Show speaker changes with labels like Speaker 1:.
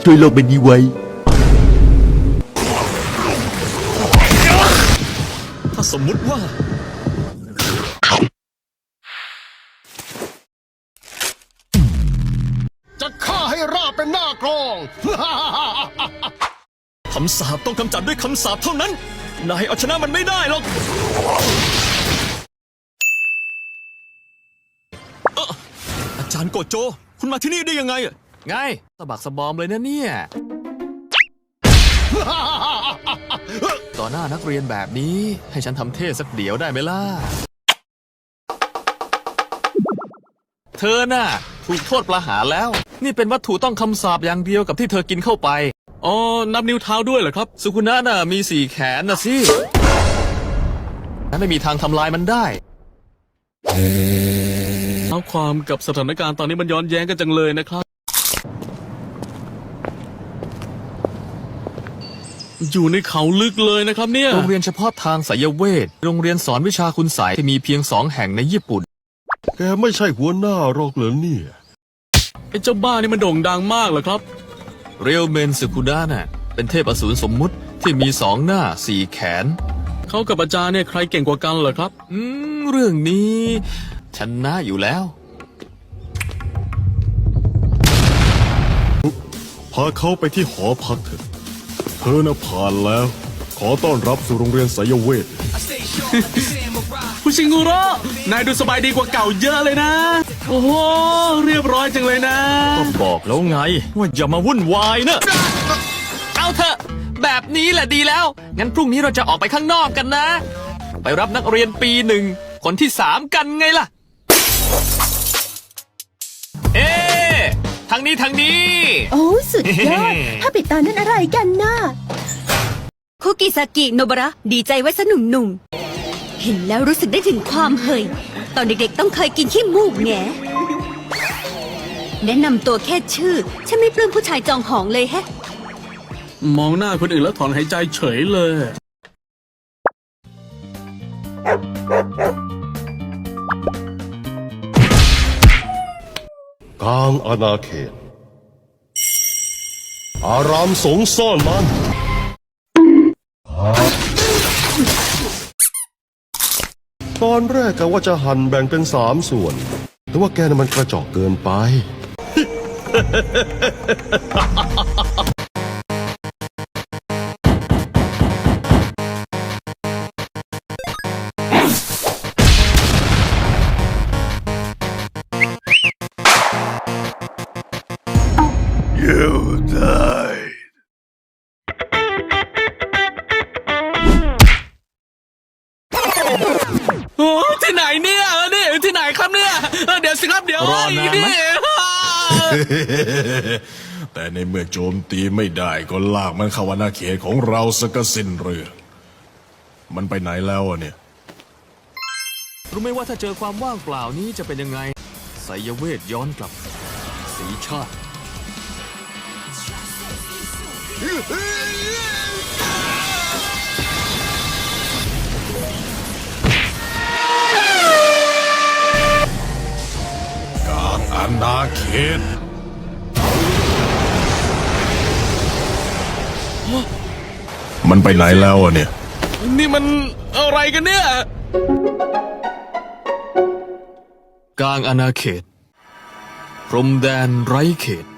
Speaker 1: ช่วยโลกใบนี้ไว้
Speaker 2: ถ้าสมมุติว่า
Speaker 3: จะฆ่าให้ราบเป็นหน้ากลอง
Speaker 2: คำสาปต้องกำจัดด้วยคำสาปเท่านั้นนายเอาชนะมันไม่ได้หรอกอาจารย์โกโจคุณมาที่นี่ได้ยังไง
Speaker 4: ไงสะบักสะบอมเลยนะเนี่ย ต่อหน้านักเรียนแบบนี้ให้ฉันทำเทศสักเดี๋ยวได้ไหมล่ะ เธอน่ะถูกโทษประหารแล้วนี่เป็นวัตถุต้องคำสาปอย่างเดียวกับที่เธอกินเข้าไป
Speaker 2: อ๋อนับนิ้วเท้าด้วยเหรอครับ
Speaker 4: สุกุนะน่ะมี4 แขนนะสิฉันไม่มีทางทำลายมันได้
Speaker 2: เอาความกับสถานการณ์ตอนนี้มันย้อนแย้งกันจังเลยนะครับอยู่ในเขาลึกเลยนะครับเนี่ย
Speaker 4: โรงเรียนเฉพาะทางไสยเวทโรงเรียนสอนวิชาคุณไสยที่มีเพียง2 แห่งในญี่ปุ่น
Speaker 3: แกไม่ใช่หัวหน้าหรอกเหรอเนี่ย
Speaker 2: ไอ้เจ้าบ้านี่มันโด่งดังมากเหรอครับ
Speaker 4: เรียวเมนสึกุนะน่ะเป็นเทพอสูรสมมุติที่มี2 หน้า4 แขน
Speaker 2: เขากับอาจารย์เนี่ยใครเก่งกว่ากันเหรอครับ
Speaker 4: เรื่องนี้ชนะอยู่แล้ว
Speaker 3: พาเขาไปที่หอพักเถอะเธอน่ะผ่านแล้วขอต้อนรับสู่โรงเรียนไสยเวท
Speaker 2: คุณชิงุระนายดูสบายดีกว่าเก่าเยอะเลยนะโอ้โหเรียบร้อยจังเลยนะ
Speaker 4: ก็บอกแล้วไงว่าอย่ามาวุ่นวายนะเอาเถอะแบบนี้แหละดีแล้วงั้นพรุ่งนี้เราจะออกไปข้างนอกกันนะไปรับนักเรียนปี 1คนที่3กันไงล่ะทางนี้
Speaker 5: โอ้สุดยอดถ้าปิดตานั่นอะไรกันน่ะ
Speaker 6: คุกิซากิโนบะระดีใจไว้ซะหนุ่มๆเห็นแล้วรู้สึกได้ถึงความเฮยตอนเด็กๆต้องเคยกินขี้มูกแงแนะนำตัวแค่ชื่อฉันไม่ปลื้มผู้ชายจองหองเลยแฮะ
Speaker 2: มองหน้าคนอื่นแล้วถอนหายใจเฉยเลย
Speaker 3: กลางอาณาเขตอารามสงซ่อนมันตอนแรกกะว่าจะหั่นแบ่งเป็น3 ส่วนแต่ว่าแกน่ะมันกระจอกเกินไป
Speaker 2: ที่ไหนเนี่ยนี่ที่ไหนครับเนี่ยเดี๋ยวสิครับเดี๋ยว
Speaker 4: รอนานไหม
Speaker 3: แต่ในเมื่อโจมตีไม่ได้ก็ลากมันเข้าอาณาเขตของเราซะก็สิ้นเรื่องมันไปไหนแล้วเนี่ย
Speaker 4: รู้ไหมว่าถ้าเจอความว่างเปล่านี้จะเป็นยังไงไสยเวทย้อนกลับสีชาติ
Speaker 3: อาณาเขตมันไปไหนแล้วเนี่ย
Speaker 2: นี่มันอะไรกันเนี่ย
Speaker 4: กลางอาณาเขตพรมแดนไร้เขต